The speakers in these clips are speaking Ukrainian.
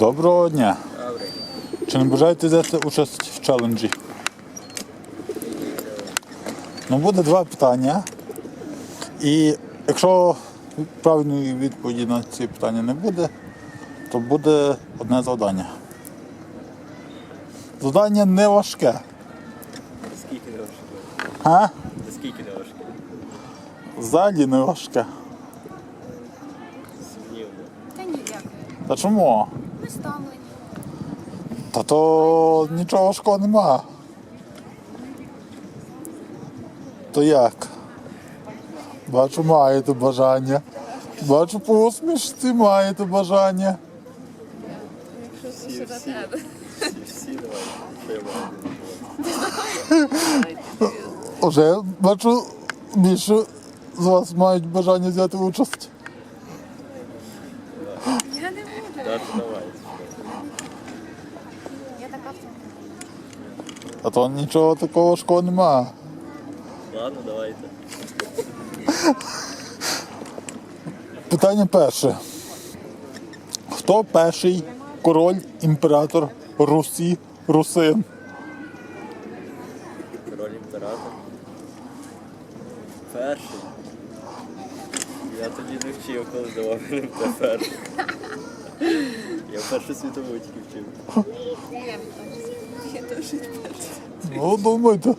Доброго дня. Добре. Чи не бажаєте взяти участь в челенджі? Ну, буде два питання. І якщо правильної відповіді на ці питання не буде, то буде одне завдання. Завдання не важке. Скільки не важке? А? Скільки не важке? Взагалі не важке. Сумнівно. Та ні, дякую. Та чому? Ми ставлені. Та то нічого важкого нема. То як? Бачу, маєте бажання. Бачу, по усмішці маєте бажання. Якщо це до тебе. Всі давай. Що я маю? Вже бачу, більше з вас мають бажання взяти участь. Я не буду. Дати давай. Я така в цьому. А то нічого такого важкого нема. Ладно, давайте. Питання перше. Хто перший король, імператор Русі, русин? Король імператор. Перший. Я тоді не вчив, коли давав мене перший. Я першу світову тільки вчив. Я теж перша. Ну, думайте.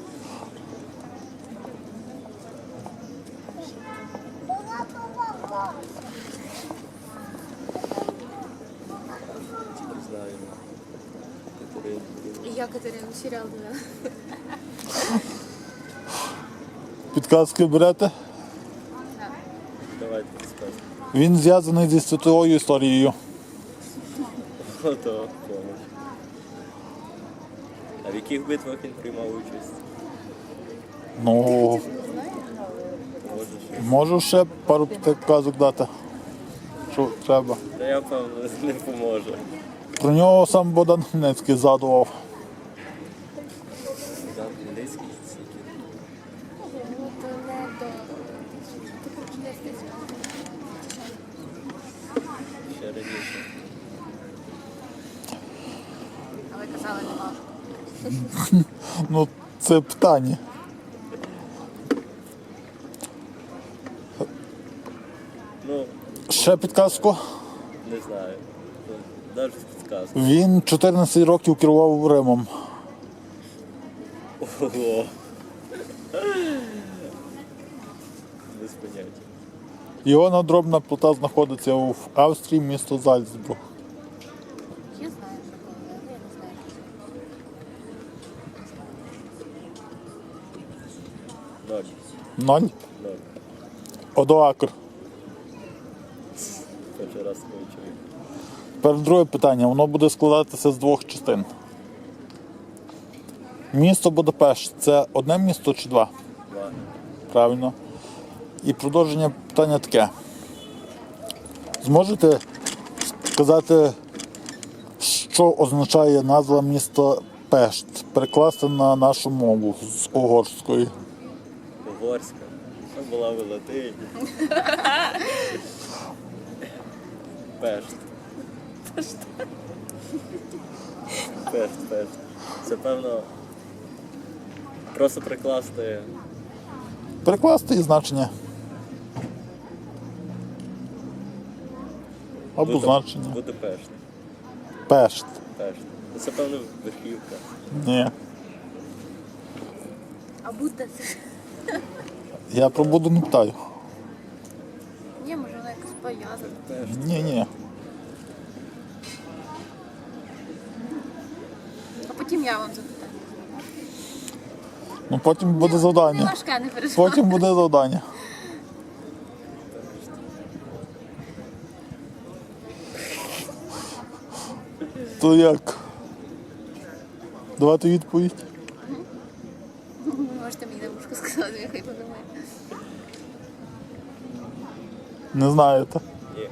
Не знаю. Катерина. Я Катерину серіал дивила. Підказки берете? Давайте підсказку. Він зв'язаний зі світовою історією. Ото помощь. А в яких битвах він приймав участь? Ну, Може щось? можу ще пару підказок дати. Що треба. Та я, певно, не поможу. Про нього сам Богдан Хмельницький згадував. Богдан Хмельницький стільки. То не до... Ще раніше. Але казали, не можу. Ну, це питання. Ну, Ще підказку. не знаю. Навіть підказку. Він 14 років керував Римом. Ого. Без поняття. Його надробна плита знаходиться в Австрії, місто Зальцбург. Я знаю, що коли, але я не знаю. Ноль. 0. Ноль. Одоакр. Перший раз такого чоловіка. Тепер друге питання. Воно буде складатися з двох частин. Місто Будапешт – це одне місто чи два? Два. Правильно. І продовження питання таке. Зможете сказати, що означає назва міста Пешт, перекласти на нашу мову з угорської? Угорська. Що була в Латині? Пешт. Пешт. Це, певно, просто прикласти Перекласти і значення. Або значення. Будапешт. Пешт. Пешт. Це, певно, верхівка. Ні. А буде це? Я про Буду не питаю. Ні, може вона якось пов'язана. Пешт. Ні. А потім я вам запитаю. Ну потім буде Не завдання. важке, не переживай. Потім буде завдання. То як? Давати відповідь? Можете мені на вушку сказати, я хай подумаю. Не знаєте. Ні.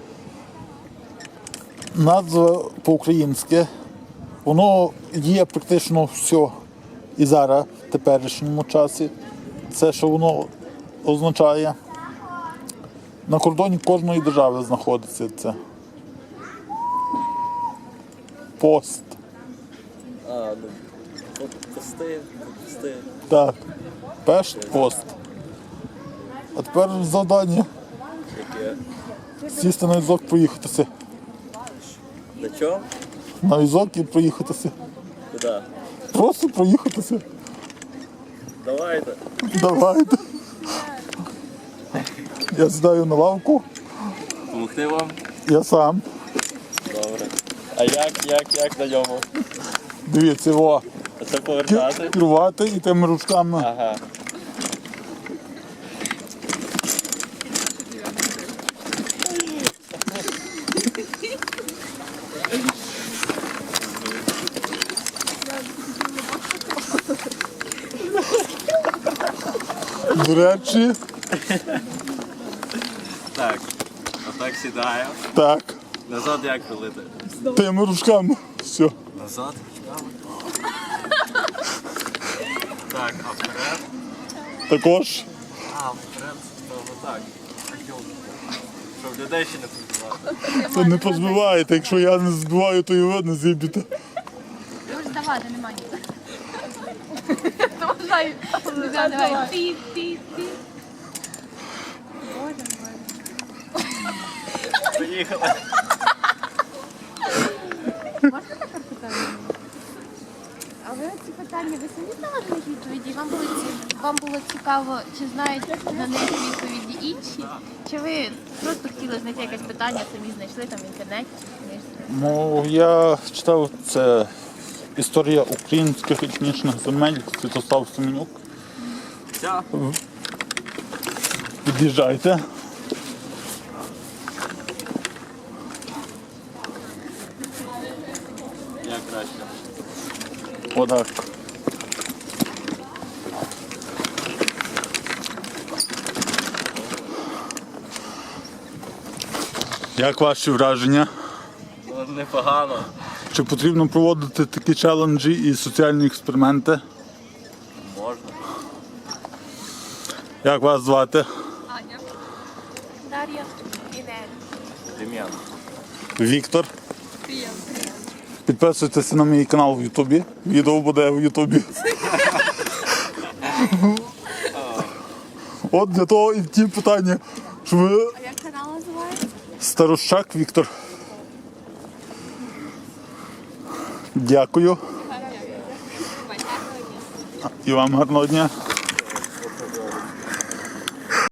Назва по-українськи, воно є практично все і зараз, в теперішньому часі. Це, що воно означає. На кордоні кожної держави знаходиться це. Пост. А, ну, пости. Так. Пешт-пост. А тепер завдання. Яке? Сісти на візок, проїхатися. На чому? На візок і проїхатися. Куди? Просто проїхатися. Давайте. Давайте. Я сідаю на лавку, Помогти вам? я сам. Добре. А як на ньому? Дивіться, о, А це повертати? керувати і тими ручками. Ага. До речі, Так. Отак сідаю. так, Назад як рулити? тими ручками. Все. Назад? Так, а вперед? Також. А, вперед, то так. Щоб людей ще не побивати. Це не позбиваєте. Якщо я не збиваю, то і ви не зіб'єте. Може здавати, немає ні. Давай. Давай. Ти. Боже мой. Поїхали. Можна таке питання? А ви ці питання, ви самі знали на них відповіді? Вам було цікаво, чи знають на них відповіді інші? Чи ви просто хотіли знайти якесь питання, самі знайшли там в інтернеті? чи книжці? Ну, я читав це історія українських етнічних земель, Святослав Семенюк. Все. Під'їжджайте. Як краще. Отак. Як ваші враження? Ну, непогано. Чи потрібно проводити такі челенджі і соціальні експерименти? Можна. Як вас звати? Аня. Дар'я. Інель. Дем'ян. Віктор. Підписуйтеся на мій канал в Ютубі. Відео буде в Ютубі. От для того і ті питання, що ви А як канал називається? Старощак Віктор. Дякую. І вам гарного дня.